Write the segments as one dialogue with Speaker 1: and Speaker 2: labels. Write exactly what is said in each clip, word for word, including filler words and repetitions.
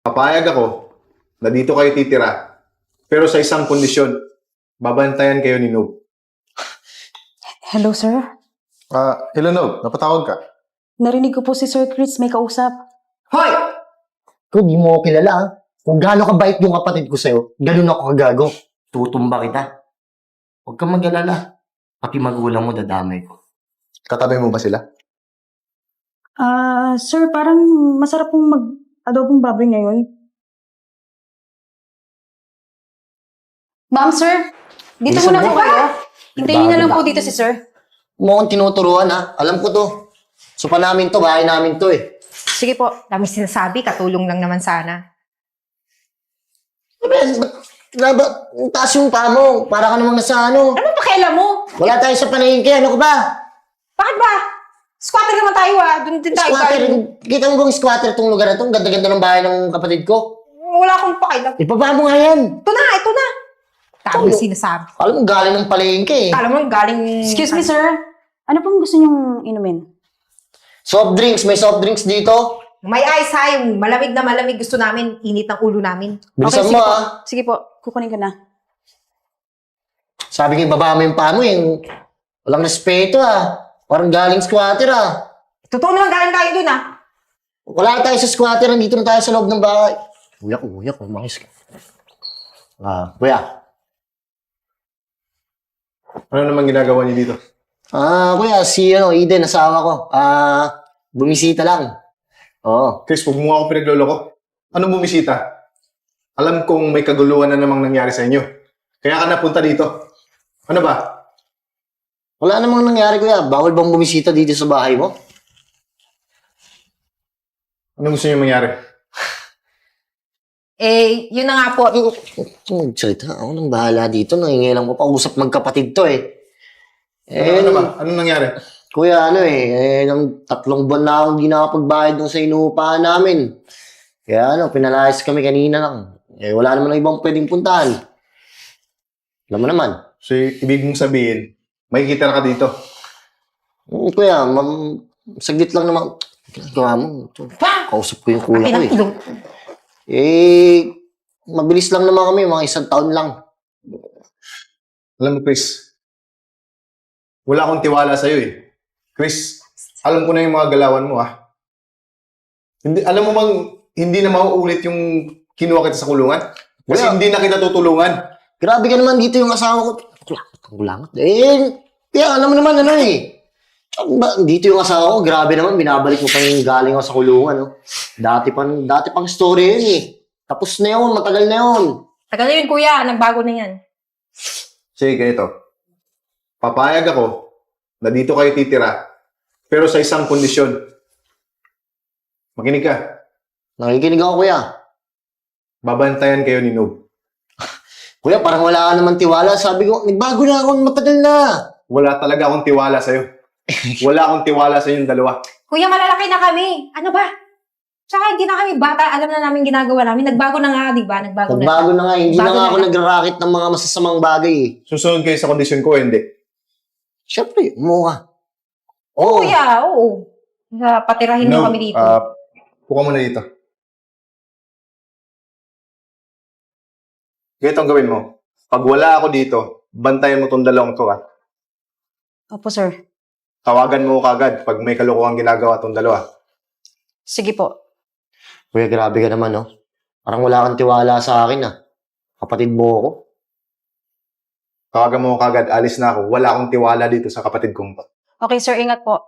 Speaker 1: Papayag ako na dito kayo titira, pero sa isang kondisyon, babantayan kayo ni Noob.
Speaker 2: Hello, sir.
Speaker 1: Ah, hello Noob, napatawag ka?
Speaker 2: Narinig ko po si Sir Chris may kausap.
Speaker 3: Hoy! Kung di mo ako kilala, ha? Kung gaano kabait yung kapatid ko sa'yo, ganun ako kagago. Tutumba kita. Huwag kang mag-alala. Pati magulang mo dadamay ko.
Speaker 1: Katabi mo ba sila?
Speaker 2: Ah, sir, parang masarap pong mag-adobong baboy ngayon. Ma'am, sir. Dito
Speaker 3: Bilisan
Speaker 2: muna
Speaker 3: mo.
Speaker 2: po kayo. Hintayin niyo na lang po
Speaker 3: Bago
Speaker 2: dito si sir.
Speaker 3: Huwag mo akong tinuturuan, ha? Alam ko to. Supa namin to, bahay namin to, eh.
Speaker 4: Sige po, dami sinasabi, katulong lang naman sana.
Speaker 3: Sabi, ba't ba, taas yung paa mo? Para ka namang nasa ano.
Speaker 4: Ano pakialam mo?
Speaker 3: Wala tayo sa panahingke, ano ka ba?
Speaker 4: Bakit ba? Squatter naman tayo ah. Doon din tayo.
Speaker 3: Squatter,
Speaker 4: galing.
Speaker 3: kita mo bang squatter tong lugar na to? Ang ganda-ganda ng bahay ng kapatid ko.
Speaker 4: Wala akong pakialam.
Speaker 3: Ipaba mo nga yan.
Speaker 4: Ito na, ito na. Dami
Speaker 3: Oh.
Speaker 4: sinasabi.
Speaker 3: Alam mo, galing ng palengke, eh.
Speaker 4: Alam mo, galing...
Speaker 2: Excuse me, sir. Ano pong gusto niyong inumin?
Speaker 3: Soft drinks, may soft drinks dito.
Speaker 4: May ice ha, yung malamig na malamig gusto namin, init ng ulo namin.
Speaker 3: Bilisan
Speaker 2: sige
Speaker 3: mo,
Speaker 2: po.
Speaker 3: ah.
Speaker 2: Sige po, kukunin ko na.
Speaker 3: Sabi ko, baba mo yung paa mo, eh. Walang respeto, ah. Parang galing squatter, ah.
Speaker 4: Totoo naman galing tayo dun ah.
Speaker 3: Wala tayo sa squatter, nandito na tayo sa loob ng bahay. Kuya ko, kuya ko, umayos ka. Ah, kuya.
Speaker 1: Ano naman ginagawa niyo dito?
Speaker 3: Ah, kuya, si, ano, Eden, asawa ko. Ah, bumisita lang. Oo.
Speaker 1: Chris, huwag mo ako pinagloloko. Ano bumisita? Alam kong may kaguluhan na namang nangyari sa inyo. Kaya ka napunta dito. Ano ba?
Speaker 3: Wala namang nangyari, kuya. Bawal bang bumisita dito sa bahay mo?
Speaker 1: Ano gusto niyo mangyari?
Speaker 4: Eh, yun na nga po.
Speaker 3: Ang salita, ako nang bahala dito. Nangingilang ko pa. Usap magkapatid to, eh.
Speaker 1: Ano,
Speaker 3: Eh,
Speaker 1: ano ba? Anong nangyari?
Speaker 3: kuya, ano eh, eh, ng tatlong buwan na akong di nakapagbayad dun sa inuupahan namin. Kaya ano, pinalayas kami kanina lang. Eh, wala naman ibang pwedeng puntahan. Alam mo naman.
Speaker 1: So, ibig mong sabihin, makikita na ka dito.
Speaker 3: Hmm, kuya, mam, saglit lang naman. Ginagawa mo. Ito, kausap ko yung kuya ko
Speaker 4: Akin ang
Speaker 3: eh.
Speaker 4: ilong.
Speaker 3: Eh, mabilis lang naman kami, mga isang taon lang.
Speaker 1: Alam mo, Chris, wala akong tiwala sa'yo eh. Chris, alam ko na yung mga galawan mo ah. Hindi, alam mo bang hindi na mauulit yung kinuha kita sa kulungan? Kasi
Speaker 3: Wala.
Speaker 1: hindi na kita tutulungan.
Speaker 3: Grabe ka naman dito yung asawa ko. Kulangat, kulangat. Eh, kaya alam mo naman ano eh. Tsaka ba, dito yung asawa ko, grabe naman, binabalik mo pa yung galing ako sa kulungan. No? Dati pang, dati pang story yun eh. Tapos na yun, matagal na yun.
Speaker 4: Tagal na yun kuya, nagbago na yan.
Speaker 1: Sige, ganito. Papayag ako na dito kayo titira, pero sa isang kondisyon. Makinig ka.
Speaker 3: Nakikinig ako, kuya.
Speaker 1: Babantayan kayo ni Noob.
Speaker 3: Kuya, parang wala ka naman tiwala. Sabi ko, nagbago na ako, matagal na.
Speaker 1: Wala talaga akong tiwala sa'yo. Wala akong tiwala sa inyong dalawa.
Speaker 4: Kuya, malalaki na kami. Ano ba? Tsaka hindi na kami bata, alam na namin ginagawa namin. Nagbago na nga, di ba? Nagbago,
Speaker 3: Nagbago na nga, hindi
Speaker 4: Bago
Speaker 3: na nga
Speaker 4: na
Speaker 3: ako
Speaker 4: nga.
Speaker 3: nagrarakit ng mga masasamang bagay eh.
Speaker 1: Susunod kayo sa kondisyon ko, hindi.
Speaker 3: Siyempre, umuha ka.
Speaker 4: na. Kuya, oo. Uh, patirahin mo kami dito.
Speaker 1: ah, puka mo na dito. Ganito ang gawin mo. Pag wala ako dito, bantayan mo tong dalawang to, ha?
Speaker 2: Opo, sir.
Speaker 1: Tawagan mo kagad pag may kalokohan ginagawa tong dalawa.
Speaker 2: Sige po.
Speaker 3: Kuya, grabe ka naman, no? Parang wala kang tiwala sa akin, ah. Kapatid mo ako.
Speaker 1: Tawagan mo kagad, alis na ako. Wala akong tiwala dito sa kapatid kong to.
Speaker 2: Okay, sir. Ingat po.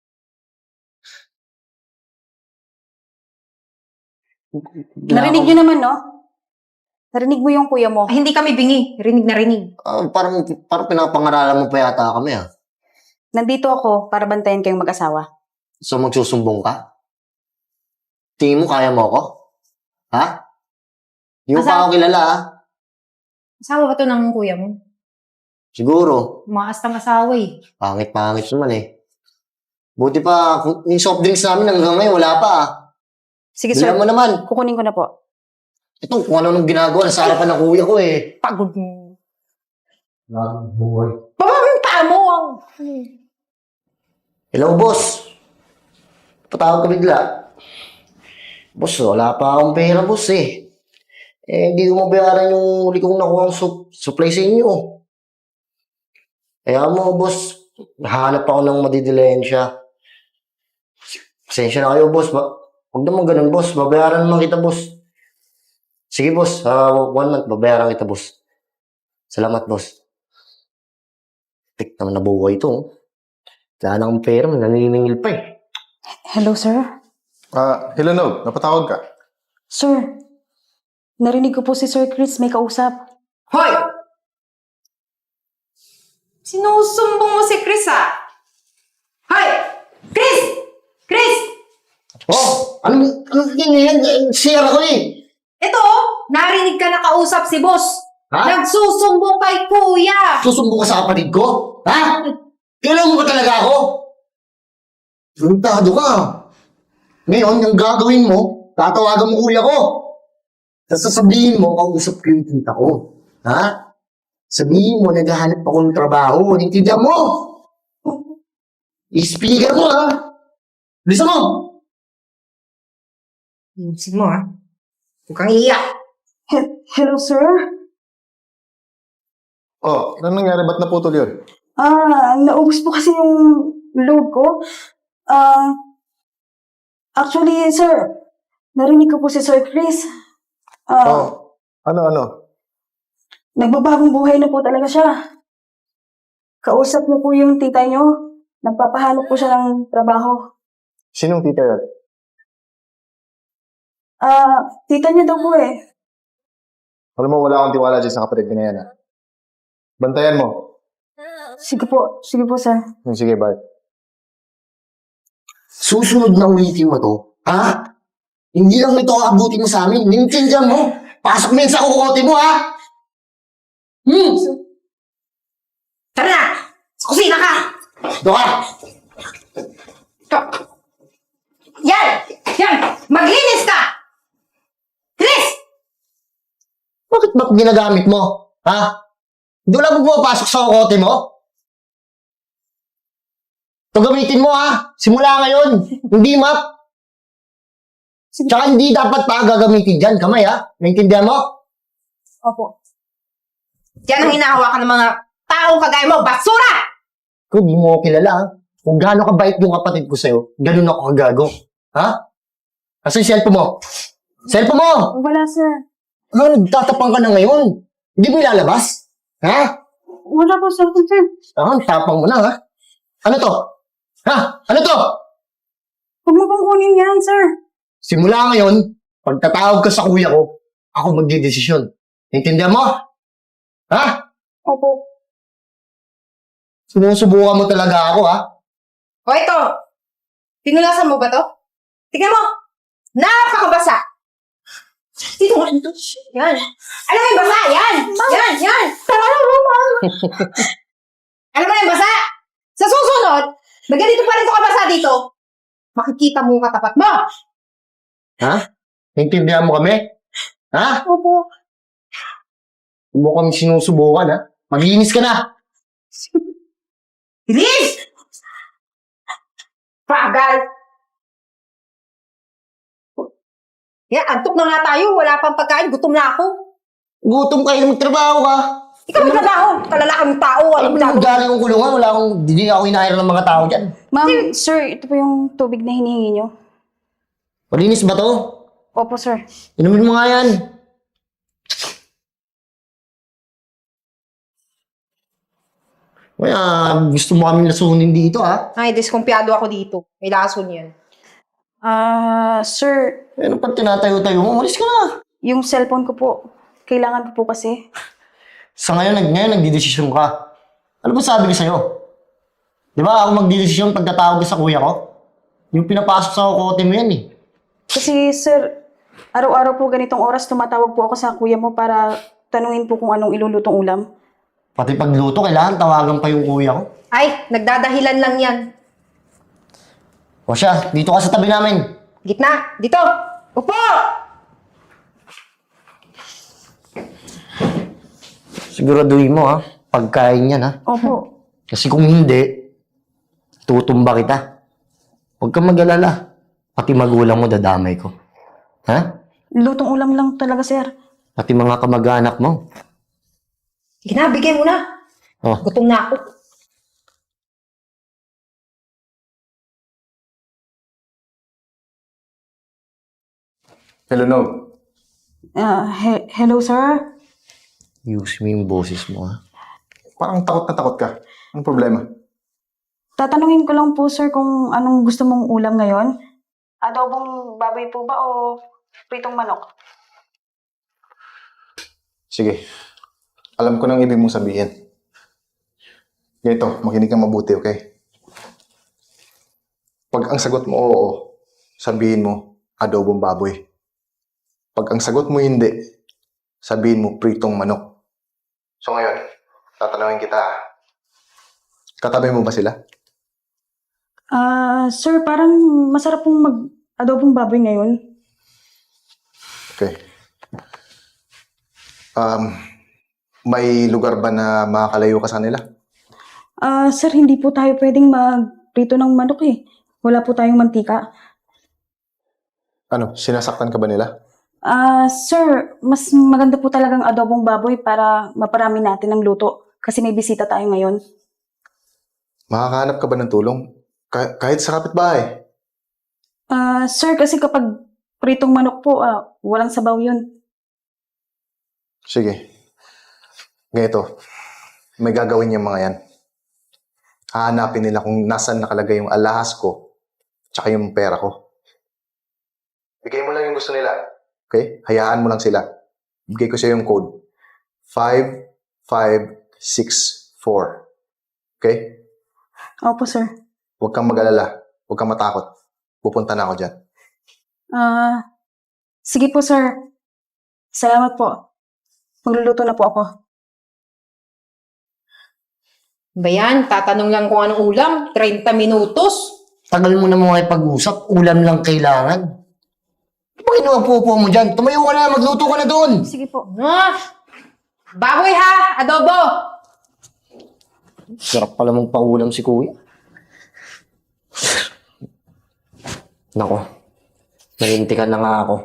Speaker 2: Narinig niyo naman, no? Narinig mo yung kuya mo.
Speaker 4: Ay, hindi kami bingi. Rinig na rinig.
Speaker 3: Ah, parang, parang pinapangaralan mo pa yata kami, ah.
Speaker 2: Nandito ako para bantayan kayong mag-asawa.
Speaker 3: So, magsusumbong ka? Tingin mo, kaya mo ako? Ha? Hindi mo pa
Speaker 4: Asa-
Speaker 3: ako kilala, ha?
Speaker 4: Asawa ba to ng kuya mo?
Speaker 3: Siguro.
Speaker 4: Maastang asawa eh.
Speaker 3: Pangit-pangit naman, eh. Buti pa, kung- yung soft drinks namin hanggang ngayon, wala pa, ah.
Speaker 2: Sige, sir.
Speaker 3: Bilang mo naman.
Speaker 2: Kukunin ko na po.
Speaker 3: Ito, kung ano nung ginagawa, nasa harapan ng kuya ko, eh.
Speaker 4: Pagod mo.
Speaker 3: Buhay.
Speaker 4: Baba mo yung paa mo.
Speaker 3: Hello, boss. Patawag ka bigla. Boss, wala pa akong pera, boss eh. Eh, hindi ko mabayaran yung huli kong nakuha ang sup- supply sa inyo. Kaya mo, boss, nahanap ako ng madidilensya. Pasensya na kayo, boss. Ba Huwag naman ganun, boss. Babayaran naman kita, boss. Sige, boss. Ah, one month, babayaran kita, boss. Salamat, boss. Tik naman na buhay ito. Oh. Wala na akong pera, naniningil pa eh.
Speaker 2: Hello, sir?
Speaker 1: Ah, hello, Nog. Napatawag ka?
Speaker 2: Sir, narinig ko po si Sir Chris may kausap.
Speaker 4: Hoy! Sinusumbong mo si Chris, ah! Hoy! Chris! Chris!
Speaker 3: Oh, ano, ano yan? Sira ko eh.
Speaker 4: Ito, oh, narinig ka na kausap si boss.
Speaker 3: Ha?
Speaker 4: Nagsusumbong kay kuya.
Speaker 3: Susumbong ka sa kapatid ko? Ha? Kailan mo ba talaga ako? Tuntado ka. Ngayon, yung gagawin mo, tatawagan mo kuya ko. Tapos sasabihin mo, kausap ko yung tita ko. Ha? Sabihin mo, naghahanap ako ng trabaho. Nintindihan mo? I-speaker mo, ha? Listen mo!
Speaker 4: Ayusin mo, ha? Huwag kang iiyak.
Speaker 2: He- Hello, sir?
Speaker 1: Oh, ano nangyari? Ba't naputol yun?
Speaker 2: Ah, naubos po kasi yung load ko. Ah, actually, sir, narinig ko po si Sir Chris. Ah,
Speaker 1: Oh, ano, ano?
Speaker 2: nagbabagong buhay na po talaga siya. Kausap niyo po yung tita niyo. Nagpapahanap po siya ng trabaho.
Speaker 1: Sinong tita yun?
Speaker 2: Ah, tita niya daw po eh.
Speaker 1: Alam mo, wala akong tiwala dyan sa kapatid ko na yan, ha? Bantayan mo.
Speaker 2: Sige po, sige po, sir.
Speaker 1: Hmm, Sige, bye.
Speaker 3: Susunod na ulitin mo to, ha? Hindi lang ito aabutin mo sa amin. Nintindihan mo. Pasok mo yan sa kukote mo, ha? Hmm.
Speaker 4: Tara na! Sa kusina ka!
Speaker 3: Doon ka.
Speaker 4: Yan! Yan! Maglinis ka! Chris!
Speaker 3: Bakit ba't ginagamit mo? Ha? Doon lang mo pumapasok sa kukote mo? Ito gamitin mo, ha? Simula ngayon. Hindi map. Tsaka hindi dapat pa gagamitin dyan. Kamay, ha? Naintindihan mo?
Speaker 2: Opo.
Speaker 4: Yan ang hinahawakan ng mga taong kagaya mo, basura!
Speaker 3: Kung di mo ako kilala, ha? Kung gaano kabait yung kapatid ko sa'yo, ganun ako kagago. Ha? Kasi yung cellphone mo. Cellphone mo!
Speaker 2: Wala, sir.
Speaker 3: Ano, nagtatapang ka na ngayon? Hindi mo ilalabas? Ha?
Speaker 2: Wala po, sir. Sir,
Speaker 3: Ah, tapang mo na, ha? Ano to? Ha? Ano to?
Speaker 2: huwag mo pong kunin yan, sir.
Speaker 3: Simula ngayon, pagtatawag ka sa kuya ko, ako magdidesisyon. Intindihan mo? Ha?
Speaker 2: Opo.
Speaker 3: Sinusubukan mo talaga ako, ha?
Speaker 4: O ito, tinulasan mo ba to? Tingnan mo! Napakabasa! Dito nga ito. Yan. Alam mo yung basa? Yan! Yan! Yan! Alam mo, ma'am! Alam mo yung basa? Sa susunod, na ganito pa rin ito kabasa dito, makikita mo yung katapat mo!
Speaker 3: Ha? Intindihan mo kami? Ha?
Speaker 2: Opo.
Speaker 3: Huwag mo kami sinusubukan, ha? Maglinis ka na!
Speaker 4: Bilis! Pagal! Yan, antok na nga tayo. Wala pang pagkain. Gutom na ako.
Speaker 3: Gutom kayo, magtrabaho ka.
Speaker 4: Ikaw may trabaho. Kalalakang tao.
Speaker 3: Alam mo
Speaker 4: Alam
Speaker 3: na,
Speaker 4: mo
Speaker 3: galing kong kulungan, wala akong, hindi ako hinahira ng mga tao dyan.
Speaker 2: Ma'am, sir, ito po yung tubig na hinihingi niyo.
Speaker 3: Malinis ba to?
Speaker 2: Opo, sir.
Speaker 3: Inumin mo nga yan. Kaya gusto mo kami lasunin dito, ha?
Speaker 4: Ay, diskumpiyado ako dito. May lason yan.
Speaker 2: Ah, sir,
Speaker 3: Eh, ano pag tinatayo-tayo mo? Umalis ka na.
Speaker 2: yung cellphone ko po, kailangan ko po kasi.
Speaker 3: Sa ngayon, nag ngayon nagdidesisyon ka. Ano ba sabi ko sa'yo? Di ba ako magdidesisyon pagkatawag ko sa kuya ko? Yung pinapasok sa kukote mo yan eh.
Speaker 2: Kasi, sir, araw-araw po ganitong oras tumatawag po ako sa kuya mo para tanungin po kung anong ilulutong ulam.
Speaker 3: Pati pagluto, kailangan tawagan pa yung kuya ko.
Speaker 4: Ay, nagdadahilan lang yan.
Speaker 3: O siya, dito ka sa tabi namin.
Speaker 4: Gitna. Dito. Upo!
Speaker 3: Siguraduhin mo ha, pagkain yan ha.
Speaker 2: Opo.
Speaker 3: Kasi kung hindi, tutumba kita. Huwag kang mag-alala. Pati magulang mo dadamay ko. Ha?
Speaker 2: Lutong ulam lang talaga, sir.
Speaker 3: Pati mga kamag-anak mo.
Speaker 4: Sige na, bigay mo na.
Speaker 3: Oh.
Speaker 4: Gutom na ako.
Speaker 1: Hello, no.
Speaker 2: Ah, he- hello, sir.
Speaker 3: Use mo yung boses mo, ha?
Speaker 1: Parang takot na takot ka. Anong problema?
Speaker 2: Tatanungin ko lang po, sir, kung anong gusto mong ulam ngayon. Adobong baboy po ba o pritong manok?
Speaker 1: Sige. Alam ko nang ibig mong sabihin. Ganito, makinig kang mabuti, okay? Pag ang sagot mo oo, sabihin mo adobong baboy. Pag ang sagot mo hindi, sabihin mo pritong manok. So ngayon, tatanungin kita. Katabi mo ba sila?
Speaker 2: Ah, sir, parang masarap pong mag-adobong baboy ngayon.
Speaker 1: Okay. Um, may lugar ba na makakalayo ka sa kanila?
Speaker 2: Ah, sir, hindi po tayo pwedeng mag-prito ng manok eh. Wala po tayong mantika.
Speaker 1: Ano, sinasaktan ka ba nila?
Speaker 2: Ah, sir, mas maganda po talagang adobong baboy para maparami natin ng luto. Kasi may bisita tayo ngayon.
Speaker 1: Makakahanap ka ba ng tulong? Kah- kahit sa kapitbahay.
Speaker 2: Ah, sir, kasi kapag pritong manok po, ah, walang sabaw yun.
Speaker 1: Sige. Ganito. May gagawin yung mga yan. Hahanapin nila kung nasan nakalagay yung alahas ko tsaka yung pera ko. Bigay mo lang yung gusto nila. Okay? Hayaan mo lang sila. Bigay ko sa'yo yung code. five five six four. Okay?
Speaker 2: Opo, sir.
Speaker 1: Huwag kang mag-alala. Huwag kang matakot. Pupunta na ako dyan.
Speaker 2: Ah, sige po, sir. Salamat po. Magluluto na po ako.
Speaker 4: Ba yan? Tatanong lang kung anong ulam. thirty minutos.
Speaker 3: Tagal mo na mga ipag-usap, ulam lang kailangan. Ano ba inuupo mo dyan? Tumayo ka na, magluto ka na doon.
Speaker 2: Sige po.
Speaker 4: Ah! Baboy ha! Adobo!
Speaker 3: Sarap pala mong paulam si kuya. Nako, nalintikan na nga ako.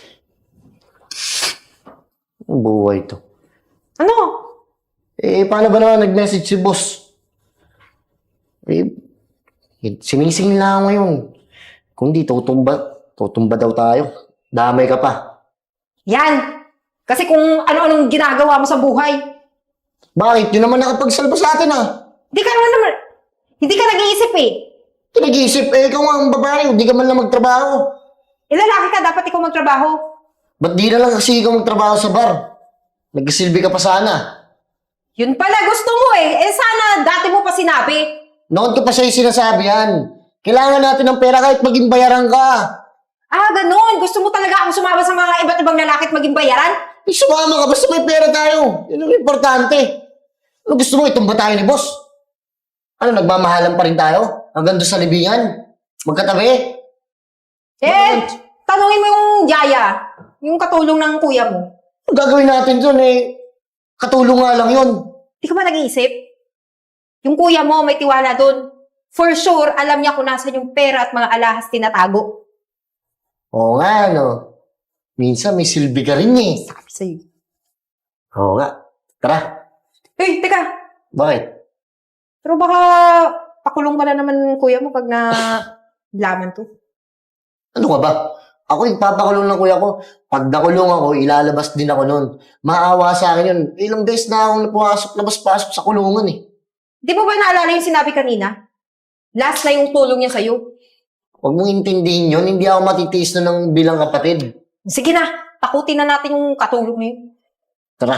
Speaker 3: Ang buhay to.
Speaker 4: Ano?
Speaker 3: Eh, paano ba naman nag-message si boss? Eh, sinising lang ngayon. Kung di, tutumba, tutumba daw tayo. Damay ka pa.
Speaker 4: Yan! Kasi kung ano-anong ginagawa mo sa buhay.
Speaker 3: Bakit? Yun naman nakapagsalba sa atin ah.
Speaker 4: Hindi ka naman naman, hindi ka nag-iisip eh.
Speaker 3: Ito nag-iisip, eh, ikaw nga ang babae, hindi ka man lang magtrabaho.
Speaker 4: Eh, lalaki ka, dapat ikaw magtrabaho.
Speaker 3: Ba't di na lang kasi ikaw magtrabaho sa bar? Nagsilbi ka pa sana.
Speaker 4: Yun pala gusto mo eh. Eh, sana dati mo pa sinabi.
Speaker 3: Noon ko pa sa'yo sinasabi yan. Kailangan natin ng pera kahit maging bayaran ka.
Speaker 4: Ah, ganun. Gusto mo talaga akong sumama sa mga iba't ibang lalaki at maging bayaran?
Speaker 3: Eh, sumama ka, basta may pera tayo. Yun ang importante. Ano gusto mo, itumba tayo ni boss? Ano, nagmamahalan pa rin tayo? Hanggang doon sa libingan? Magkatabi?
Speaker 4: Eh, tanungin mo yung yaya. Yung katulong ng kuya mo.
Speaker 3: Ang gagawin natin doon eh, katulong nga lang yun.
Speaker 4: Di ka ba nag-iisip? Yung kuya mo, may tiwala doon. For sure, alam niya kung nasan yung pera at mga alahas tinatago.
Speaker 3: Oo nga, no. Minsan may silbi ka rin eh.
Speaker 4: Sabi sa'yo.
Speaker 3: Oo nga. Tara.
Speaker 4: Hey, teka.
Speaker 3: Bakit?
Speaker 4: Pero baka pakulong ka na naman kuya mo pag na laman to.
Speaker 3: Ano ka ba? Ako ipapakulong ng kuya ko. Pag nakulong ako, ilalabas din ako nun. Maawa sa akin yun. Ilang beses na akong napasok, labas-pasok sa kulungan eh.
Speaker 4: Di mo ba naalala yung sinabi kanina? Last na yung tulong niya sa'yo.
Speaker 3: Huwag mong intindihin yun, hindi ako matitiis na ng bilang kapatid.
Speaker 4: Sige na, takutin na natin yung katulong na yun.
Speaker 3: Tara.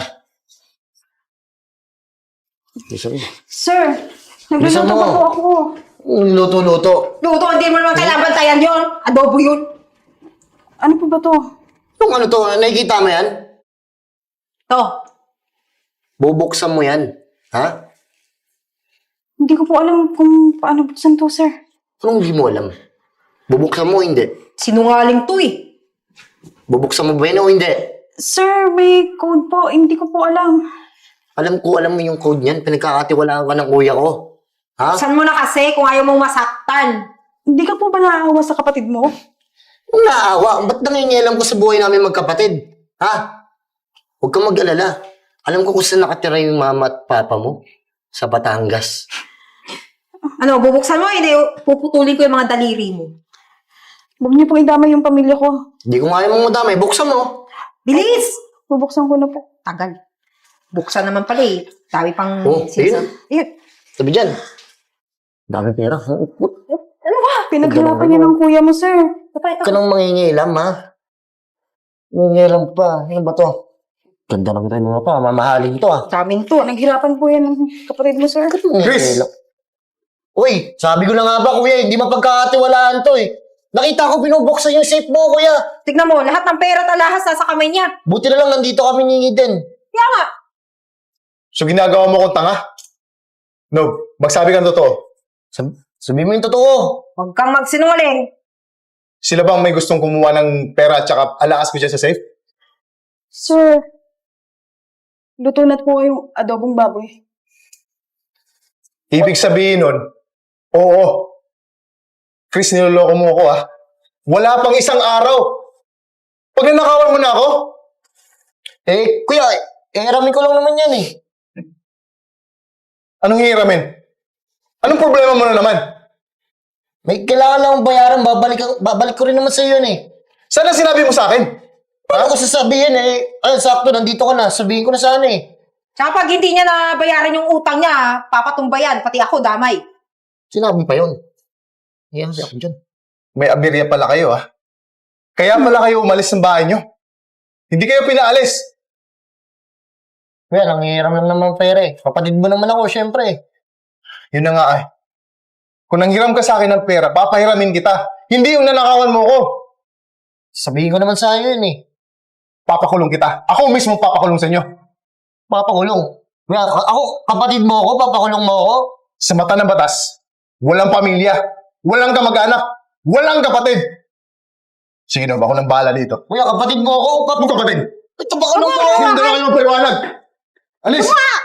Speaker 3: Bisa mo.
Speaker 2: Sir,
Speaker 3: Bilisan
Speaker 2: nagluluto
Speaker 3: mo.
Speaker 2: pa po ako.
Speaker 3: Luto-luto.
Speaker 4: Luto, hindi mo naman kailangan bantayan yun. Adobo yun.
Speaker 2: Ano po ba to?
Speaker 3: Yung ano to, nakikita mo yan?
Speaker 4: To.
Speaker 3: Bubuksan mo yan. Ha?
Speaker 2: Hindi ko po alam kung paano buksan to, sir.
Speaker 3: Anong hindi mo alam? Bubuksan mo o hindi?
Speaker 4: Sinungaling to eh.
Speaker 3: Bubuksan mo ba yan o hindi?
Speaker 2: Sir, may code po. Hindi ko po alam.
Speaker 3: Alam ko, alam mo yung code niyan. Pinagkakatiwalaan ka ng kuya ko. Ha?
Speaker 4: Saan mo na kasi kung ayaw mong masaktan?
Speaker 2: Hindi ka po ba naaawa sa kapatid mo?
Speaker 3: Kung naawa, ba't nangingialam ko sa buhay namin magkapatid? Ha? Huwag kang mag-alala. Alam ko kung saan nakatira yung mama at papa mo. Sa Batangas.
Speaker 4: Ano, bubuksan mo, hindi puputulin ko yung mga daliri mo.
Speaker 2: Huwag niyo pong idamay yung pamilya ko.
Speaker 3: Hindi ko nga yung madamay. Buksan mo.
Speaker 4: Bilis!
Speaker 2: Bubuksan ko na po.
Speaker 4: Tagal. Buksan naman pala eh. Dami pang
Speaker 3: Oh,
Speaker 4: sinasabi. Ayun.
Speaker 3: Sabi dyan. Dami pera.
Speaker 4: Ano ba?
Speaker 2: Pinaghirapan niya ng kuya mo, sir.
Speaker 4: Patay
Speaker 3: Huwag ka nang mangingialam, ha? Mangingialam pa. Ano ba to? Ganda lang tayo mga pa. Mamahalin to, ha?
Speaker 4: Sa amin to.
Speaker 2: Pinaghirapan po yan ng kapatid mo, sir.
Speaker 1: Chris!
Speaker 3: Uy, sabi ko na nga ba, kuya, hindi mapagkakatiwalaan to, eh. Nakita ko binubuksan yung safe mo, kuya.
Speaker 4: Tignan mo, lahat ng pera at alahas nasa kamay niya.
Speaker 3: Buti na lang nandito kami ni Eden.
Speaker 4: Kaya nga.
Speaker 1: So ginagawa mo kong tanga? No, magsabi kang totoo.
Speaker 3: Sab sabi mo yung totoo.
Speaker 4: Huwag kang magsinungaling.
Speaker 1: Sila bang may gustong kumuha ng pera at saka alaas ko dyan sa safe?
Speaker 2: Sir, luto na po yung adobong baboy.
Speaker 1: Ibig sabihin nun, oo. Chris, niloloko mo ako ah. Wala pang isang araw. Pag nanakawan mo na ako,
Speaker 3: Eh, kuya, eh, aramin ko lang naman yan, eh.
Speaker 1: anong hihiramin? Anong problema mo na naman?
Speaker 3: May kailangan lang akong bayaran, babalik, babalik ko rin naman sa iyo yun, eh.
Speaker 1: Sana sinabi mo sa akin?
Speaker 3: Paano ko sasabihin, eh? Ay, sakto, nandito ka na. Sabihin ko na sana, eh.
Speaker 4: Tsaka pag hindi niya nabayaran yung utang niya, papatumbayan, pati ako damay.
Speaker 3: Sinabi pa yun. Iyan kasi ako dyan.
Speaker 1: May abirya pala kayo ah. Kaya pala kayo umalis ng bahay nyo. Hindi kayo pinaalis.
Speaker 3: Kuya, nangihiram lang naman pera, eh. Kapatid mo naman ako, syempre.
Speaker 1: Yun na nga eh. Kung nanghiram ka sa akin ng pera, papahiramin kita. Hindi yung nanakawan mo ko.
Speaker 3: Sabihin ko naman sa iyo yun, eh.
Speaker 1: Papakulong kita. Ako mismo papakulong sa inyo.
Speaker 3: Papakulong. Kuya, ako, kapatid mo ako, papakulong mo ako.
Speaker 1: Sa mata ng batas, walang pamilya, walang kamag-anak, walang kapatid. Sige na, ako nang bahala dito.
Speaker 3: Kuya, kapatid mo ako,
Speaker 1: Ano
Speaker 3: papakulong.
Speaker 1: kapatid?
Speaker 3: Ito, pakulong mo ako.
Speaker 1: Hindi na kayo magpaliwanag. Alis!